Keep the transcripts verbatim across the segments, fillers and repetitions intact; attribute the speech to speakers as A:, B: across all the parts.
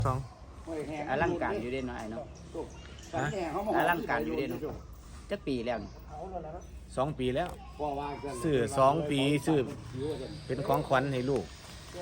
A: สอง
B: อลังการอยู่เด้เนาะไอ้เนาะอลังการอยู่เด้เนาะจักปีแล้วนี่
A: สองปีแล้วซื้อสองปีซื้อเป็นของขวัญให้ลูก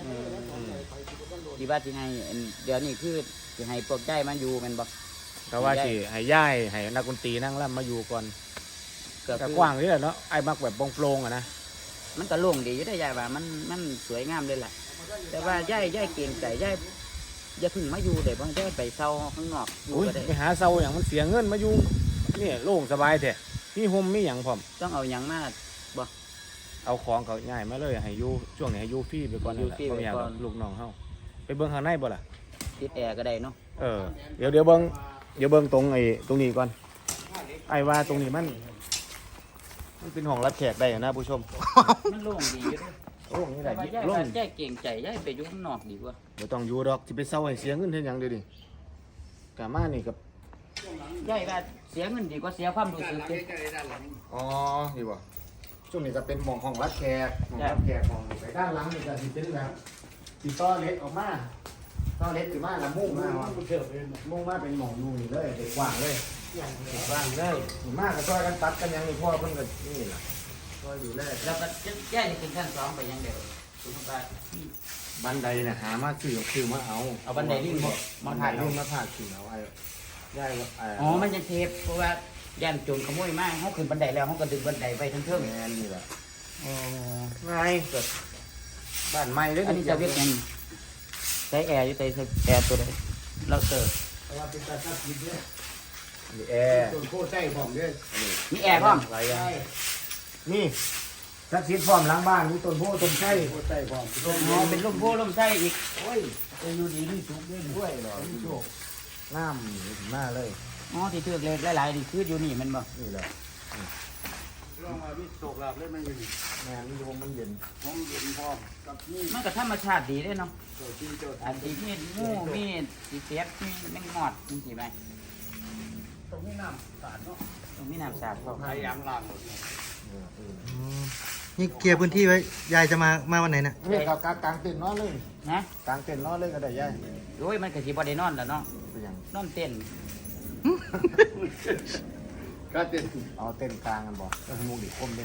B: ที่ว่าสิให้อันเดี๋ยวนี้คือสิให้พวกใจมันอยู่แม่นบ่
A: แต่ว่าสิให้ย่ายให้นักดนตรีนั่งร่ำมาอยู่ก่อน
B: ก็
A: แต่
B: คือก
A: ว้างนี่แหละเนาะไอ้มักแบบโปร่งๆอะนะ
B: มันก็โล่งดีอยู่ได้ยายว่ามันมันสวยงามเลยแหละแต่ว่ายายยายเก่งใจยายอย่าเพึ่งมาอยู่ได้บ่ยายไปเซาข้างนอกอยู่
A: อุ้ย
B: ก็ได้
A: ไปหาเซาอย่างมันเสียเงินมาอยู่นี่โล่งสบายแท้มีห่มมีหยังพร้อม
B: ต้องเอาหยังมาบ่
A: เอาของเขาง่ายมาเลยให้อยู่ช่วงนี้ให้อยู่ฟรีไปก่อนนั่นแหละ
B: อยู่ฟรี
A: บ่อยาก
B: ไปก่อน
A: ลูกน้องเฮาไปเบิ่งข้างในบ่ล่ะ
B: ติดแอร์ก็ได้เนาะ
A: เออเดี๋ยวเดี๋ยวเบิ้งเดี๋ยวเบิ้งตรงไอ้ตรงนี้ก่อนไอ้ว่าตรงนี้มันมันเป็นห้องรับแขกได้นะผู้ชม
B: มันโล่งดีอยู่เด้อ
A: โอ้นี่แห
B: แต่
A: ละ
B: ว่า
A: ยิบ
B: ยาย
A: ล
B: ว่าง ยายเก่งใจยายไปอยู่ข้างนอกดีกว่า
A: เดี๋ยวต้องอยู่ดอกสิไปเซาให้เสียเงินเฮ็ดหยังเดี๋ยวนี้กะมานี่กับ
B: ยายว่าเสียเงินดีกว่าเสียความรู้สึกเด้
A: อ๋อนี่บ่ช่วงนี้ก็เป็นหม่องห้องรับแขกห้องรับแขกห้องไปด้านหลังนี่ก็สิเป็นแบบสิต่อเล็กออกมาต่อเล็กสิมาละมุ่งมาว่ามุ่งมาเป็นหม่องอยู่นี่เลยเด็กกว้างเลยเด็กกว้างเลยนี่มาก็ช่วยกันตัดกันหยังนี่พ่อเพิ่นก็นี่ล่ะช่วยดูแล
B: แล้วก็ยายจะขึ้นขั้นสองไปยังเดียวสมมุติว่า
A: บันไดเนี่ยหามาซื้อซื้อมาเอา
B: เอาบันไดลิงบ่
A: มา
B: มา
A: ถ่า
B: ถ่าย ย
A: รู
B: รู
A: ป
B: ป
A: มาถ่ายซื้อเอาไอ้ย่ายว่าไอ้
B: อ๋อมันจะเทปเพราะว่าย่านโจรขโมยมาเฮาขึ้นบันไดแล้วเฮาก็ดึงบันไดไปทั้งเทิง
A: แม่นนี่แหละ
B: อ๋อ
A: ไงเกิดบ้านใหม่เลย
B: อันนี้จะเรียกยังใช้แอร์อยู่ใช้แอร์ตัวใดเราเติร์
C: ว่าเป็นตาทับทิพย์เนี่ย
A: นี่แอร์
C: ต้นโคใต้ผมเนี่ย
B: มีแอร์พร้อม
A: หลายอย่างนี่สักดิ์สิทธิ์พร้อมหล้างบ้านมีต้นโพต้นไทร
C: โคใต้ผม
B: อ๋อเป็นลมโพลมไส้อีก
C: โอ้ยจะอยู่ดีนี่สุกด้วย
A: ด้วยเหรอพี่โชคน้ำนี่ถึงหน้าเลย
B: อ๋อที่เทือกเล็กหลายๆนี่คืออยู่นี่แมันบ่
A: นี่แหละ
C: ลองมาวิโศกลาบเลยมันอยู่
A: แม่นี่ลมมันเย็น
C: ห้องเย็นพอกับนี่
B: มันก็ธรรมชาติดีเด้เนาะ
C: เจ้าที่เจ้า
B: อันที่มีงูมีสีเสียบมีแมงมอดจังซี่ไหม
C: ตรงนี้น้ำสาดเนาะ
B: ตรงนี้น้ำสาดพร้อม
C: พยายามล้างหมด
A: เออเออ
D: นี่เคลียร์พื้นที่ไว้ ยายจะมา มาวันไหนเนี่ย
A: นี่กางกางเต็นท์นอนเลย
B: นะ
A: กางเต็นท์นอนเลยก็ได้ย่าย
B: โอ้ยมันก็สิบ่ได้นอนแล้วเนาะ
A: เป็นหยัง
B: นอนเต้น
C: ก็เต็ม
A: เอาเต็นท์กลางกันบ่เออมุงดิคมเลย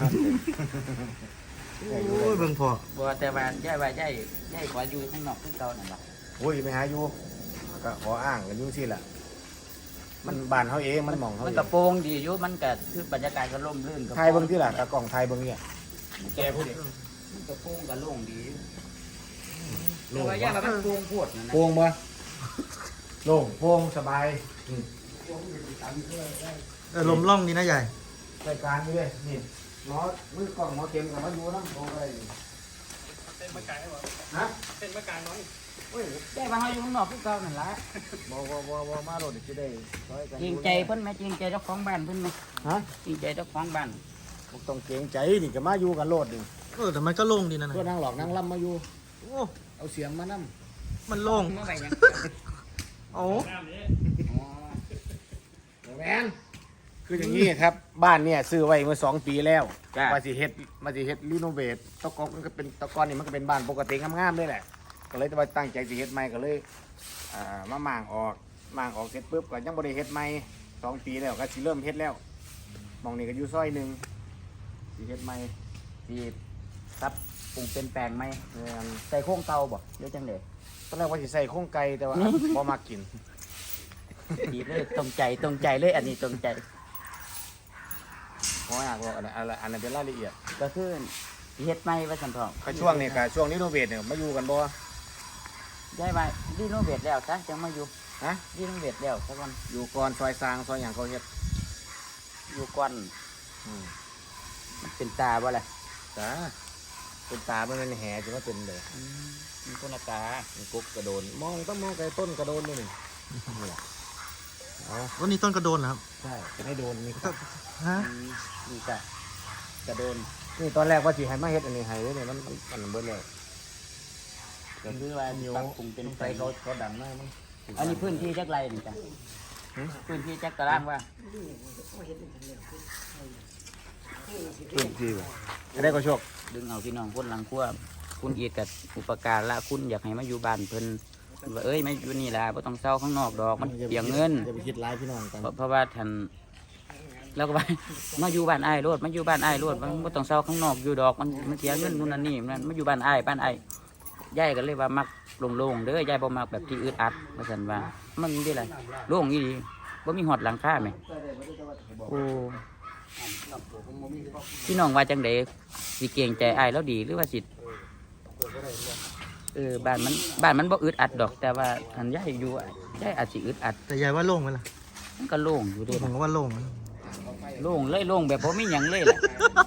D: โอ้ยเบิ่งพอ
B: บ่แต่ว่ายายว่ายายยายขออยู่ข้างนอกคือเก่านั่นล่ะ
A: โอ้ยไปหาอยู่ก็ขออ้างกันอยู่สิล่ะมันบ้านเขาเองมันหมองเขา
B: มัน
A: เอง
B: ก็โปร่งดีอยู่มันก็คือบรรยากาศก็ร่มรื่นก็
A: ไทยเบิ้งที่ล่ะตะกล่องไทยเบิ้งเนี่ยแกพูดดิ
B: มันก็โปร่งก็โล่งดีอยู่
A: โล่
B: แต่
A: ง
B: ว่ายายว่ามันโปร่งโพดนั่นนะ
A: โป่งบ่โล่งโป่งสบายอืม
D: เออลมล่องดีนะยาย
A: รายการนี่เลยนี่หมอมือกล่องหมอเข็มกับมาอยู่น้ำโอ้ย
C: เป็นมะกายเหรอ
A: ฮะ
C: เป็นมะกายน้อย
B: โอ้ยยายว่าเฮาอยู่ข้างนอกคือเก่านั่นล่ะ
A: บ่บ่บ่บ่มาโดดจะได้ร้อยกัน
B: จริงใจเพิ่นไหมจริงใจเจ้าของบ้านเพิ่นไหม
A: ฮะ
B: จริงใจเจ้าของบ้าน
A: บ่ต้องเกรงใจนี่ก็มาอยู่กันโลดนี่
D: เออแต่มันก็โล่งดีนะนะ
A: ก็นั่งหลอกนั่งล่ำมาอยู่
D: โอ้
A: เอาเสียงมานั่
D: มันโล่ง
B: เมื่อไหร่ยัง
D: โอ้
B: อ๋อ
A: แมนคืออย่างนี้ครับ บ้านเนี่ยซื้อไว้เมื่อสองปีแล้ว
B: จ้ะ
A: มาสิเฮ็ดมาสิเฮ็ดรีโนเวทตะกอนมันก็เป็นตะกอนนี่มันก็เป็นบ้านปกติงามๆเลยแหละ ก็เลยว่าตั้งใจสิเฮ็ดใหม่ก็เลยอ่ามาหมางออกหมางออกเสร็จปุ๊บก็ยังบ่ได้เฮ็ดใหม่สองปีแล้วก็สิเริ่มเฮ็ดแล้วหมองนี้ก็อยู่ซอยหนึ่งสิเฮ็ดใหม่
B: ที่ครับปรุงเป็นแปลงไหม
A: แม่น
B: ใส่โครงเก่าบ่เดี๋ยวจังได๋
A: ตอนแรกว่าสิใส่โครงไก่แต่ว่า บ่มากิน
B: ดีเลยตรงใจตรงใจเลยอันนี้ตรงใจ
A: เพราะอยากบอกอันนั้นอันนั้นอันนั้นเป็นรายละเอียด
B: ก็คือเฮ็ดใหม่ว่าซั่นพ่อ
A: ก็ช่วงนี้ก็ช่วงรีโนเวทเนี่ยมาอยู่กันบ่
B: ยายว่ารีโนเวทแล้วซะจังมาอยู่
A: ฮะ
B: รีโนเวทแล้วสักวัน
A: อยู่ก่อนซอยซางซอยหยังเขาเฮ็ด
B: อยู่ก่อน
A: อืม
B: มันเป็นตาบ่ล่ะ
A: จ้าเป็นตามันเป็นแหจะมาเป็นเลย
B: อืมมันคนละตา
A: มันกุ๊กกระโดน มองต้องมองไกลต้นกระโดนด้วยนี่นี่แหละเอา
D: วันนี้ต้นกระโดนเหรอครับ
A: ใช่จะให้โดนนี่ครับ
D: ฮะ
B: อืมนี่ก็กระโดน
A: นี่ตอนแรกว่าสิให้มาเฮ็ดอันนี้ให้เนี่ยมันมันมันเบิดแล้ว
B: ก็คือว่า
A: นิ้ว
B: ปรับปรุงเป็น
A: ไปเขาเขาดันมากมั้ง
B: อันนี้พื้นที่จักไรนี่จ้ะ
A: หืม
B: พื้นที่จักตารางว่า
A: พื้นที่บ่จะได้ก็โชค
B: ดึงเอาพี่น้องคนหลังครัวคุณเอียดกับอุปการละคุณอยากให้มาอยู่บ้านเพิ่นว่าเอ้ยไม่อยู่นี่ล่ะบ่ต้องเศร้าข้างนอกดอกมันเปลียงเงิน
A: จะไปคิดร้ายพี่น้องกัน
B: เพราะเพราะว่าท่านเราก็ว่า มาอยู่บ้านอ้ายโลดมาอยู่บ้านอ้ายโลดมันบ่ต้องเศร้าข้างนอกอยู่ดอกมันมันเสียเงินนู่นนั่นนี่มันมาอยู่บ้านอ้ายบ้านอ้ายยายก็เลยว่ามักโล่งๆเด้อยายบ่มักแบบที่อึดอัดว่าซั่นว่ามันได้ล่ะโล่งอีหลีบ่มีฮอดหลังคาแหมโอ้พี่น้องว่าจังได๋สิเกรงใจอ้ายแล้วดีหรือว่าสิเออบ้านมันบ้านมันบ่อึดอัดดอก แต่ว่าคันยายอยู่อะยายอาจสิอึดอัด
D: แต่ยายว่าโล่งไหมล่ะ
B: มันก็โล่งอยู่เด้
D: ผมก็ว่าโล่งนะ
B: โล่งเลยโล่งแบบบ่มีหยังเลยล่ะ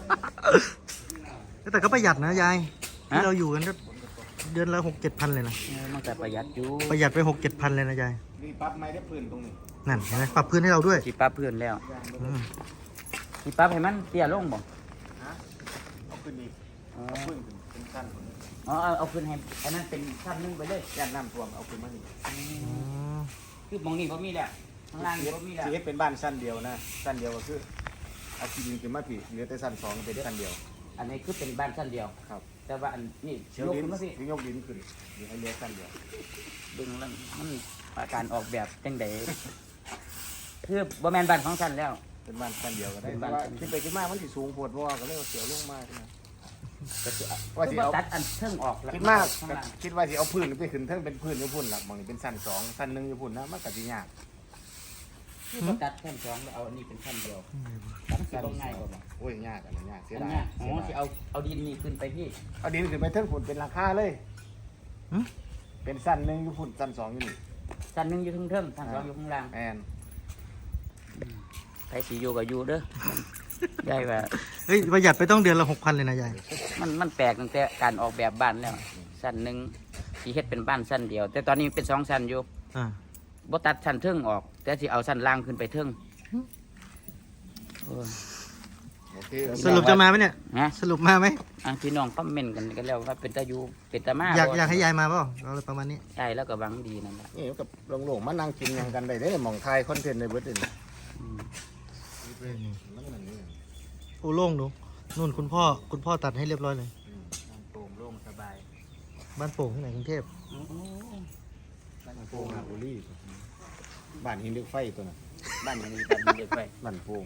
D: แต่ก็ประหยัดนะยาย
B: ฮะ
D: ที่เราอยู่กันก็เดือนละหกเจ็ดพันเลยนะ
B: เออมันก็ประหยัดอยู่
D: ประหยัดไปหกเจ็ดพันเลยนะยาย
A: นี่ปั๊บไม้ได้พื้นตรงนี้
D: นั่นเห็นไหมปรับพื้นให้เราด้วย
B: สิปรับเพื่อนแล้ว
D: อืม
B: สิปรับให้มันเตี้ยลงบ่
A: เอาขึ้นอีก
B: อ๋อ
A: เอาพื้นขึ้นเป็นขั้น
B: อ๋อเอาเอาขึ้นให้อันนั้นเป็นชั้นหนึงไปเลย
A: ย่านน้ำท่วมเอาขึ้นมานี่
D: อ๋อ
B: คือหมองนี้บ่มีแล้วข้างล่างนี่บ่มีแล้ว
A: สีเฮ็ดเป็นบ้านสั้นเดียวนะสั้นเดียวก็คือเอาที่ดินขึ้นมาผีเหลือแต่สั้นสองเป็นสั้นเดียว
B: อันนี้คือเป็นบ้านชั้นเดียว
A: ครับ
B: แต่ว่าอันนี้
A: เชียวย
B: ก
A: ดิน
B: ขึ้นมาสิ
A: ที่ยกดินขึ้นเดี๋ยวให้เหลือสั้นเดียว
B: ดึงแล้วมันอาการออกแบบจังไดคือบ่แม่นบ้านของชั้นแล้ว
A: เป็นบ้านสั้นเดียวก็ได้
B: เป็น
A: แต่
B: บ้าน
A: ว่า
B: สั้นเดียว
A: คิดไปคิดมามันสิสูงโพดเพราะว่าก็เลยเอาเสียวลงมากนะ
B: ก็คือ
A: ว่าสิเอา
B: ตัดอันเทิงออกแล้ว
A: คิดมาก
B: ข้างล่าง
A: คิดว่าสิเอาพื้นไปขึ้นเทั้งเป็นพื้นอยู่พุ่นหลักบางนี่เป็นสั้นสองสั้นหนึ่งอยู่พุ่นนะมันก็สิยาก
B: คือบ่ตัดชั้นสองแล้วเอาอันนี้เป็นชั้นเดียวตัดสิบ่ง่ายกว่าบ่
A: โอ้ยยากอันนั้นยากเสีย
B: อัน
A: ดาย
B: เนี้ยอ๋อ
A: เสี
B: สิ
A: ยดาย
B: เอาเอาดินนี่ขึ้นไปพี่
A: เอาดินขึ้นไปเทั้งพุ่นเป็นราคาเลย
D: หึ
A: เป็นสั้นหนึ่งอยู่พุ่นสั้นสองอยู่นี่
B: ชั้นหนึงอยู่เทิงๆชั้นสองอยู่ข้างล่าง
A: แอน
B: ใครสิอยู่ก็อยู่เด้อ ยายว่า
D: เฮ้ยประหยัดไปต้องเดือนละหกพันเลยนะยาย
B: มันมันแปลกตั้งแต่การออกแบบบ้านแล้วชั้นหนึ่งสีเฮ็ดเป็นบ้านชั้นเดียว แต่ตอนนี้เป็นสองชั้นอยู่
D: อ่า
B: บ่ตัดชั้นเทิงออก แต่สิเอาชั้นล่างขึ้นไปเทิงโอ้ย
A: โอเค
D: สรุปจะมาไหมเนี่ย
B: นะ
D: สรุปมาไหม
B: อ่ะพี่น้องคอมเมนต์กันกันแล้วว่าเป็นตาอยู่เป็นตามา
D: อยาก
B: บ่
D: อยากให้ยายมาเปล่าอะไรประมาณนี้
B: ใช่แล้วก็หวังดีนั่นแหละ
A: นี่กับโล่งๆมานั่งกินหยังกันได้เด้หมองไทยคอนเทนต์ในเบิร์ดนี่
B: อืม
A: มันนั่นนี่
D: โอ้โล่งดูนู่นคุณพ่อคุณพ่อตัดให้เรียบร้อยเลย
B: โปร่งโล่งสบาย
D: บ้านโป่งที่ไหนกรุงเทพ
B: โอ้โห
A: บ้านโป่งหาบุรีบ้านหินเหล็กไฟตัวน่ะ
B: บ้านอย่างนี้บ้านเด็กไป
A: บ้านโป่ง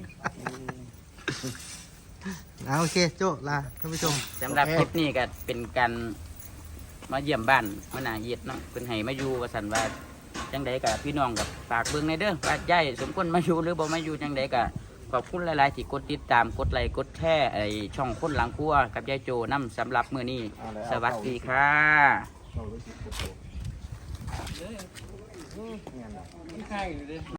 D: อ่าโอเคโจ้ลาท่านผู้ชม
B: สำหรับ
A: โอเค
B: คลิปนี้ก็เป็นการมาเยี่ยมบ้านมาหนาเยียดเนาะเพิ่นให้มาอยู่ว่าสันว่าจังใดกับพี่น้องกับฝากเบิ่งในเด้อว่ายายสมควรมาอยู่หรือบ่มาอยู่จังใดก็ขอบคุณหลายๆที่กดติดตามกดไลค์กดแชร์ไอช่องคนหลังครัวกับยายโจนํสำหรับมื้อนี้
A: เอาเลยเอา
B: สวัสดีค่ะ
A: เอาเลยสิโอ้โห
C: เลย
A: เนี่ยนะ
C: ที่ข้างอยู่เลย